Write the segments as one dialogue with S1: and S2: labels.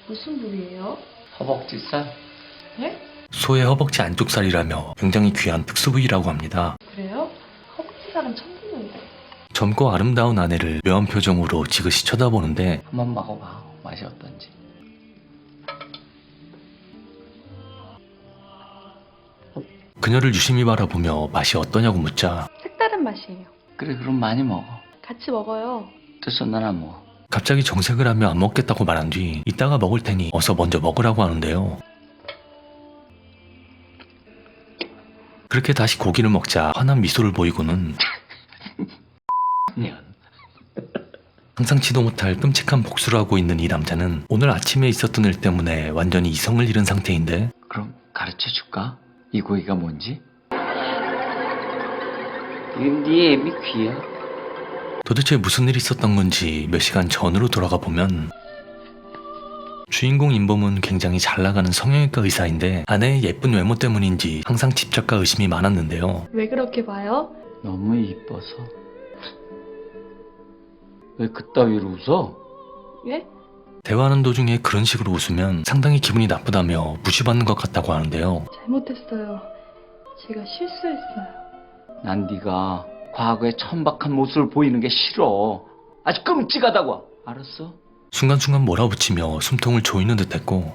S1: 무슨 부위예요?
S2: 허벅지살?
S1: 네?
S3: 소의 허벅지 안쪽살이라며 굉장히 귀한 특수 부위라고 합니다.
S1: 그래요? 허벅지살은 처음 듣는데.
S3: 젊고 아름다운 아내를 묘한 표정으로 지그시 쳐다보는데
S2: 한번 먹어봐. 맛이 어떤지.
S3: 그녀를 유심히 바라보며 맛이 어떠냐고 묻자
S1: 색다른 맛이에요.
S2: 그래, 그럼 많이 먹어.
S1: 같이 먹어요.
S2: 됐어, 난 안 먹어.
S3: 갑자기 정색을 하며 안 먹겠다고 말한 뒤 이따가 먹을 테니 어서 먼저 먹으라고 하는데요. 그렇게 다시 고기를 먹자 환한 미소를 보이고는
S2: 년.
S3: 상상치도 못할 끔찍한 복수를 하고 있는 이 남자는 오늘 아침에 있었던 일 때문에 완전히 이성을 잃은 상태인데
S2: 그럼 가르쳐 줄까? 이 고기가 뭔지? 이건 네 애미 귀야.
S3: 도대체 무슨 일이 있었던 건지 몇 시간 전으로 돌아가 보면 주인공 임범은 굉장히 잘 나가는 성형외과 의사인데 아내의 예쁜 외모 때문인지 항상 집착과 의심이 많았는데요.
S1: 왜 그렇게 봐요?
S2: 너무 이뻐서. 왜 그따위로 웃어?
S1: 예?
S3: 대화하는 도중에 그런 식으로 웃으면 상당히 기분이 나쁘다며 무시받는 것 같다고 하는데요.
S1: 잘못했어요. 제가 실수했어요.
S2: 난 네가 과거의 천박한 모습을 보이는 게 싫어. 아주 끔찍하다고. 알았어?
S3: 순간순간 몰아붙이며 숨통을 조이는 듯했고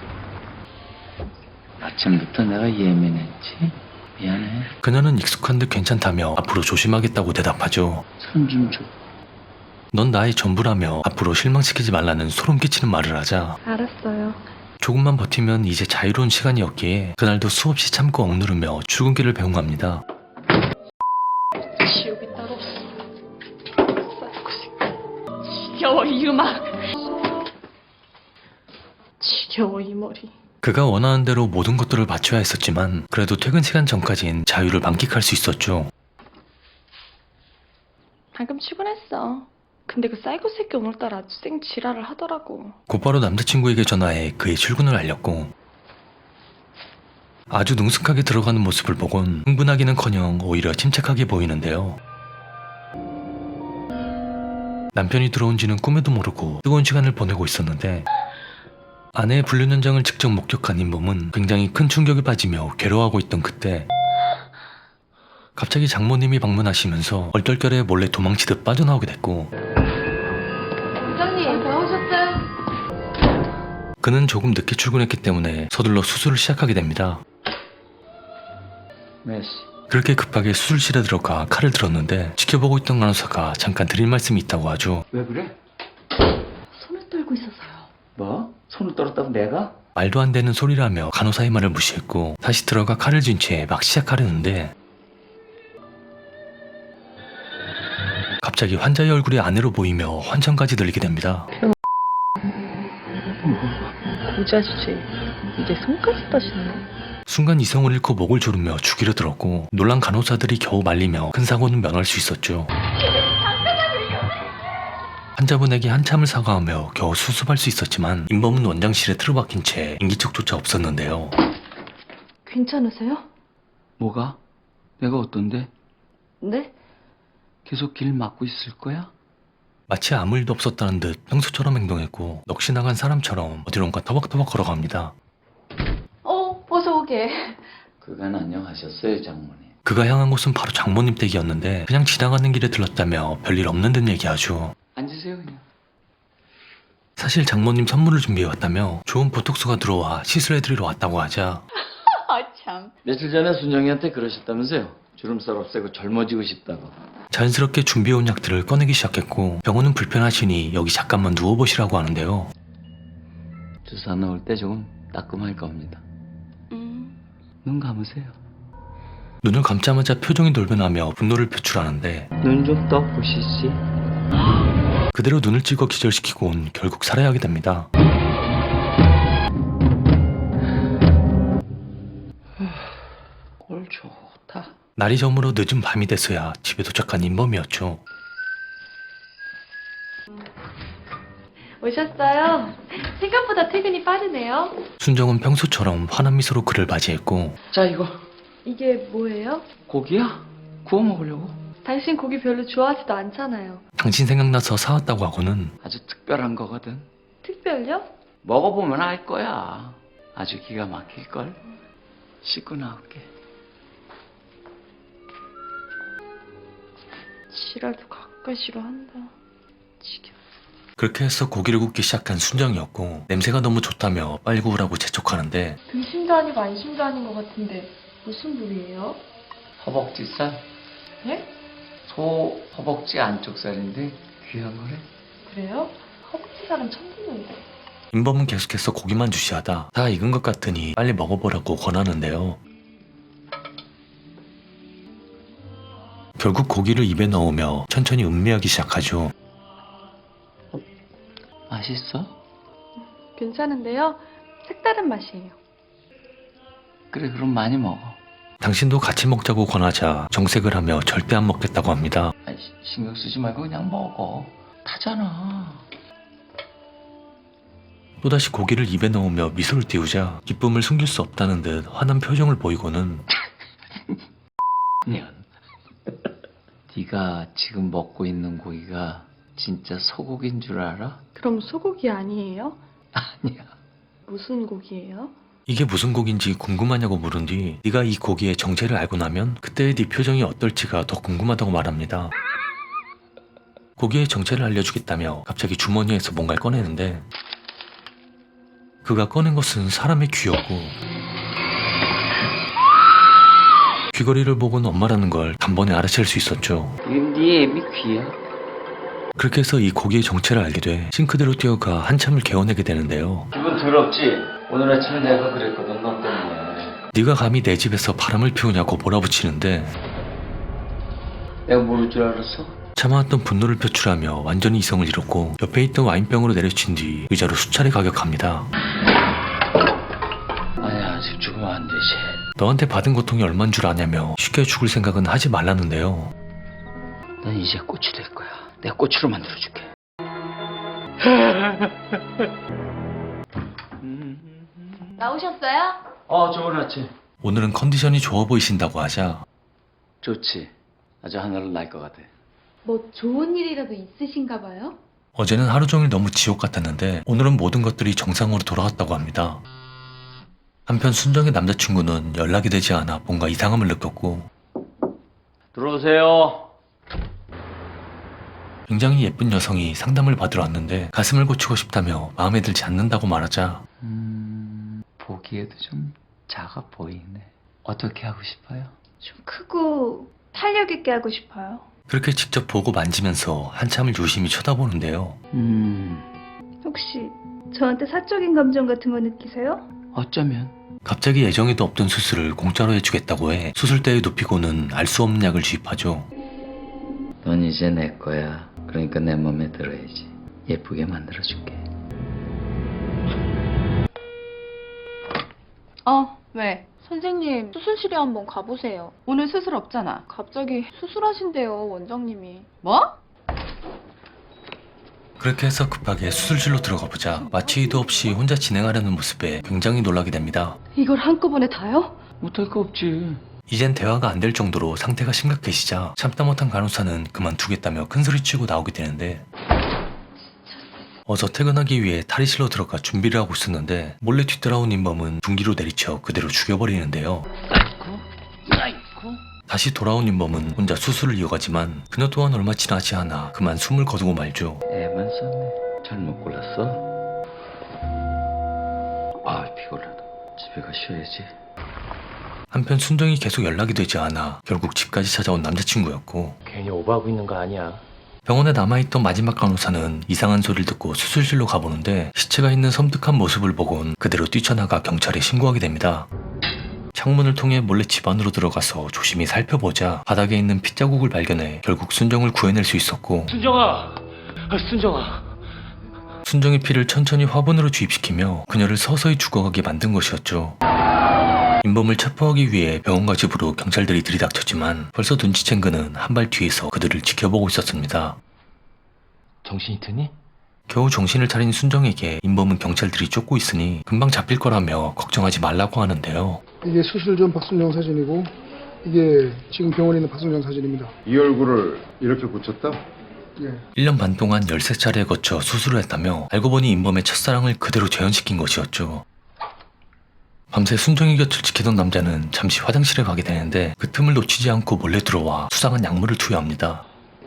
S2: 아침부터 내가 예민했지? 미안해.
S3: 그녀는 익숙한 듯 괜찮다며 앞으로 조심하겠다고 대답하죠.
S2: 손 좀 줘.
S3: 넌 나의 전부라며 앞으로 실망시키지 말라는 소름 끼치는 말을 하자
S1: 알았어요.
S3: 조금만 버티면 이제 자유로운 시간이었기에 그날도 수없이 참고 억누르며 출근길을 배웅합니다.
S1: 지옥이 따로 없어. 싸고 싶어. 지겨워 이 음악. 지겨워 이 머리.
S3: 그가 원하는 대로 모든 것들을 맞춰야 했었지만 그래도 퇴근 시간 전까진 자유를 만끽할 수 있었죠.
S1: 방금 출근했어. 근데 그 사이코 새끼 오늘따라 아주 쌩 지랄을 하더라고.
S3: 곧바로 남자친구에게 전화해 그의 출근을 알렸고 아주 능숙하게 들어가는 모습을 보곤 흥분하기는커녕 오히려 침착하게 보이는데요. 남편이 들어온지는 꿈에도 모르고 뜨거운 시간을 보내고 있었는데 아내의 불륜 현장을 직접 목격한 임범은 굉장히 큰 충격에 빠지며 괴로워하고 있던 그때 갑자기 장모님이 방문하시면서 얼떨결에 몰래 도망치듯 빠져나오게 됐고
S1: 원장님 나오셨어요?
S3: 그는 조금 늦게 출근했기 때문에 서둘러 수술을 시작하게 됩니다.
S2: 메시.
S3: 그렇게 급하게 수술실에 들어가 칼을 들었는데 지켜보고 있던 간호사가 잠깐 드릴 말씀이 있다고 하죠.
S2: 왜 그래?
S1: 손을 떨고 있어서요.
S2: 뭐? 손을 떨었다고 내가?
S3: 말도 안 되는 소리라며 간호사의 말을 무시했고 다시 들어가 칼을 쥔 채 막 시작하려는데 갑자기 환자의 얼굴이 아내로 보이며 환청까지 들리게 됩니다.
S1: 고자주제. 이제 손까지 따시네.
S3: 순간 이성을 잃고 목을 조르며 죽이려 들었고 놀란 간호사들이 겨우 말리며 큰 사고는 면할 수 있었죠. 환자분에게 한참을 사과하며 겨우 수습할 수 있었지만 임범은 원장실에 틀어박힌 채 인기척조차 없었는데요.
S1: 괜찮으세요?
S2: 뭐가? 내가 어떤데?
S1: 네?
S2: 계속 길 막고 있을 거야?
S3: 마치 아무 일도 없었다는 듯 평소처럼 행동했고 넋이 나간 사람처럼 어디론가 터벅터벅 걸어갑니다.
S1: 어서 오게.
S2: 그간 안녕하셨어요, 장모님.
S3: 그가 향한 곳은 바로 장모님 댁이었는데 그냥 지나가는 길에 들렀다며 별일 없는 듯 얘기하죠.
S2: 앉으세요, 그냥.
S3: 사실 장모님 선물을 준비해왔다며 좋은 보톡스가 들어와 시술해드리러 왔다고 하자
S1: 아 참.
S2: 며칠 전에 순정이한테 그러셨다면서요? 주름살 없애고 젊어지고 싶다고.
S3: 자연스럽게 준비해온 약들을 꺼내기 시작했고 병원은 불편하시니 여기 잠깐만 누워보시라고 하는데요.
S2: 주사 넣을 때 조금 따끔할 겁니다. 눈 감으세요.
S3: 눈을 감자마자 표정이 돌변하며 분노를 표출하는데
S2: 눈 좀 떠보시지.
S3: 그대로 눈을 찍어 기절시키곤 결국 살해하게 됩니다.
S2: 꼴 좋다.
S3: 날이 저물어 늦은 밤이 돼서야 집에 도착한 임범이었죠.
S1: 오셨어요? 생각보다 퇴근이 빠르네요.
S3: 순정은 평소처럼 환한 미소로 그를 맞이했고
S2: 자, 이거
S1: 이게 뭐예요?
S2: 고기야? 구워 먹으려고.
S1: 당신 고기 별로 좋아하지도 않잖아요.
S3: 당신 생각나서 사왔다고 하고는
S2: 아주 특별한 거거든.
S1: 특별요?
S2: 먹어보면 알 거야. 아주 기가 막힐걸. 씻고 나올게.
S1: 지랄도 가까이시로 한다. 지겨.
S3: 그렇게 해서 고기를 굽기 시작한 순정이었고 냄새가 너무 좋다며 빨리 구우라고 재촉하는데
S1: 등심도 아니고 안심도 아닌 것 같은데 무슨 부위예요?
S2: 허벅지살?
S1: 예?
S2: 소 허벅지 안쪽 살인데 귀한 거래.
S1: 그래요? 허벅지살은 처음 듣는데.
S3: 임범은 계속해서 고기만 주시하다 다 익은 것 같으니 빨리 먹어보라고 권하는데요. 결국 고기를 입에 넣으며 천천히 음미하기 시작하죠.
S2: 맛있어?
S1: 괜찮은데요? 색다른 맛이에요.
S2: 그래, 그럼 많이 먹어.
S3: 당신도 같이 먹자고 권하자 정색을 하며 절대 안 먹겠다고 합니다.
S2: 아니, 신경 쓰지 말고 그냥 먹어. 타잖아.
S3: 또다시 고기를 입에 넣으며 미소를 띄우자 기쁨을 숨길 수 없다는 듯 화난 표정을 보이고는
S2: 년. 네가 지금 먹고 있는 고기가 진짜 소고기인 줄 알아?
S1: 그럼 소고기 아니에요?
S2: 아니야.
S1: 무슨 고기예요?
S3: 이게 무슨 고기인지 궁금하냐고 물은 뒤 네가 이 고기의 정체를 알고 나면 그때의 네 표정이 어떨지가 더 궁금하다고 말합니다. 고기의 정체를 알려주겠다며 갑자기 주머니에서 뭔가를 꺼내는데 그가 꺼낸 것은 사람의 귀였고 귀걸이를 보고는 엄마라는 걸 단번에 알아챌 수 있었죠.
S2: 이건 네 애미 귀야.
S3: 그렇게 해서 이 고기의 정체를 알게 돼 싱크대로 뛰어가 한참을 개어내게 되는데요.
S2: 기분 더럽지? 오늘 아침에 내가 그랬거든, 너 때문에.
S3: 네가 감히 내 집에서 바람을 피우냐고 몰아붙이는데
S2: 내가 모를 줄 알았어?
S3: 참아왔던 분노를 표출하며 완전히 이성을 잃었고 옆에 있던 와인병으로 내려친 뒤 의자로 수차례 가격합니다.
S2: 아니야, 아직 죽으면 안 되지.
S3: 너한테 받은 고통이 얼만 줄 아냐며 쉽게 죽을 생각은 하지 말라는데요.
S2: 넌 이제 꽃이 될 거야. 내가 꽃으로 만들어줄게.
S1: 나오셨어요?
S2: 좋은 아침.
S3: 오늘은 컨디션이 좋아 보이신다고 하자
S2: 좋지. 아주 하늘을 날 것 같아.
S1: 뭐 좋은 일이라도 있으신가 봐요?
S3: 어제는 하루 종일 너무 지옥 같았는데 오늘은 모든 것들이 정상으로 돌아왔다고 합니다. 한편 순정의 남자친구는 연락이 되지 않아 뭔가 이상함을 느꼈고
S2: 들어오세요.
S3: 굉장히 예쁜 여성이 상담을 받으러 왔는데 가슴을 고치고 싶다며 마음에 들지 않는다고 말하자
S2: 보기에도 좀 작아 보이네. 어떻게 하고 싶어요?
S1: 좀 크고 탄력 있게 하고 싶어요.
S3: 그렇게 직접 보고 만지면서 한참을 유심히 쳐다보는데요.
S1: 혹시 저한테 사적인 감정 같은 거 느끼세요?
S2: 어쩌면.
S3: 갑자기 예정에도 없던 수술을 공짜로 해주겠다고 해 수술대에 눕히고는 알 수 없는 약을 주입하죠.
S2: 넌 이제 내 거야. 그러니까 내 맘에 들어야지. 예쁘게 만들어줄게.
S1: 왜? 선생님, 수술실에 한번 가보세요.
S4: 오늘 수술 없잖아.
S1: 갑자기 수술하신대요, 원장님이.
S4: 뭐?
S3: 그렇게 해서 급하게 수술실로 들어가 보자 마취 의도 없이 혼자 진행하려는 모습에 굉장히 놀라게 됩니다.
S1: 이걸 한꺼번에 다요?
S2: 못할 거 없지.
S3: 이젠 대화가 안 될 정도로 상태가 심각해지자 참다 못한 간호사는 그만두겠다며 큰소리치고 나오게 되는데 어서 퇴근하기 위해 탈의실로 들어가 준비를 하고 있었는데 몰래 뒤따라온 임범은 둔기로 내리쳐 그대로 죽여버리는데요.
S2: 아이고.
S3: 다시 돌아온 임범은 혼자 수술을 이어가지만 그녀 또한 얼마 지나지 않아 그만 숨을 거두고 말죠.
S2: 애만 썼네. 잘못 골랐어. 피곤하다. 집에 가 쉬어야지.
S3: 한편 순정이 계속 연락이 되지 않아 결국 집까지 찾아온 남자친구였고
S5: 괜히 오버하고 있는 거 아니야.
S3: 병원에 남아있던 마지막 간호사는 이상한 소리를 듣고 수술실로 가보는데 시체가 있는 섬뜩한 모습을 보곤 그대로 뛰쳐나가 경찰에 신고하게 됩니다. 창문을 통해 몰래 집 안으로 들어가서 조심히 살펴보자 바닥에 있는 핏자국을 발견해 결국 순정을 구해낼 수 있었고
S5: 순정아, 순정아.
S3: 순정의 피를 천천히 화분으로 주입시키며 그녀를 서서히 죽어가게 만든 것이었죠. 임범을 체포하기 위해 병원과 집으로 경찰들이 들이닥쳤지만 벌써 눈치챈 그는 한 발 뒤에서 그들을 지켜보고 있었습니다.
S5: 정신이 드니?
S3: 겨우 정신을 차린 순정에게 임범은 경찰들이 쫓고 있으니 금방 잡힐 거라며 걱정하지 말라고 하는데요.
S6: 이게 수술 전 박순정 사진이고 이게 지금 병원에 있는 박순정 사진입니다.
S7: 이 얼굴을 이렇게 고쳤다?
S6: 예.
S3: 1년 반 동안 13차례에 거쳐 수술을 했다며 알고 보니 인범의 첫사랑을 그대로 재현시킨 것이었죠. 밤새 순정이 곁을 지키던 남자는 잠시 화장실에 가게 되는데 그 틈을 놓치지 않고 몰래 들어와 수상한 약물을 투여합니다.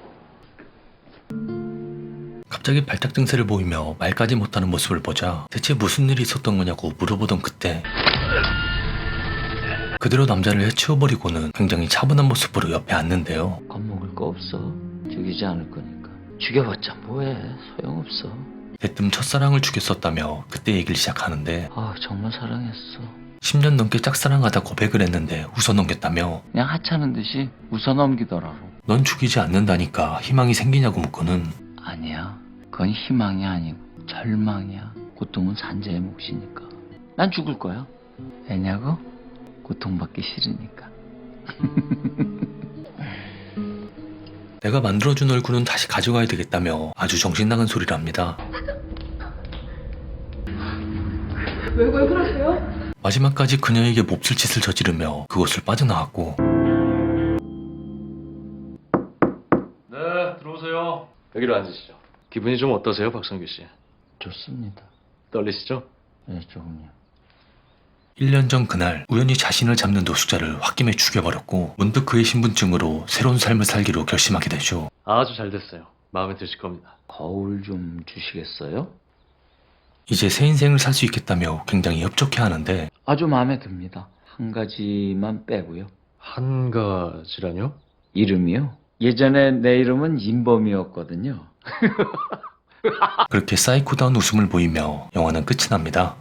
S3: 갑자기 발작 증세를 보이며 말까지 못하는 모습을 보자 대체 무슨 일이 있었던 거냐고 물어보던 그때 그대로 남자를 해치워버리고는 굉장히 차분한 모습으로 옆에 앉는데요.
S2: 겁먹을 거 없어. 죽이지 않을 거니까. 죽여봤자 뭐해. 소용없어.
S3: 대뜸 첫사랑을 죽였었다며 그때 얘기를 시작하는데
S2: 아, 정말 사랑했어.
S3: 10년 넘게 짝사랑하다 고백을 했는데 웃어넘겼다며
S2: 그냥 하찮은 듯이 웃어넘기더라고.
S3: 넌 죽이지 않는다니까 희망이 생기냐고 묻고는
S2: 아니야. 그건 희망이 아니고 절망이야. 고통은 산재의 몫이니까. 난 죽을 거야. 왜냐고? 고통받기 싫으니까.
S3: 내가 만들어준 얼굴은 다시 가져가야 되겠다며 아주 정신나간 소리를 합니다.
S1: 왜 그러세요?
S3: 마지막까지 그녀에게 몹쓸 짓을 저지르며 그곳을 빠져나왔고
S5: 네, 들어오세요. 여기로 앉으시죠. 기분이 좀 어떠세요, 박성규 씨?
S2: 좋습니다.
S5: 떨리시죠?
S2: 네, 조금요.
S3: 1년 전 그날 우연히 자신을 잡는 노숙자를 홧김에 죽여버렸고 문득 그의 신분증으로 새로운 삶을 살기로 결심하게 되죠.
S5: 아주 잘 됐어요. 마음에 드실 겁니다.
S2: 거울 좀 주시겠어요?
S3: 이제 새 인생을 살 수 있겠다며 굉장히 협족해하는데
S2: 아주 마음에 듭니다. 한 가지만 빼고요.
S5: 한 가지라뇨?
S2: 이름이요? 예전에 내 이름은 인범이었거든요.
S3: 그렇게 사이코다운 웃음을 보이며 영화는 끝이 납니다.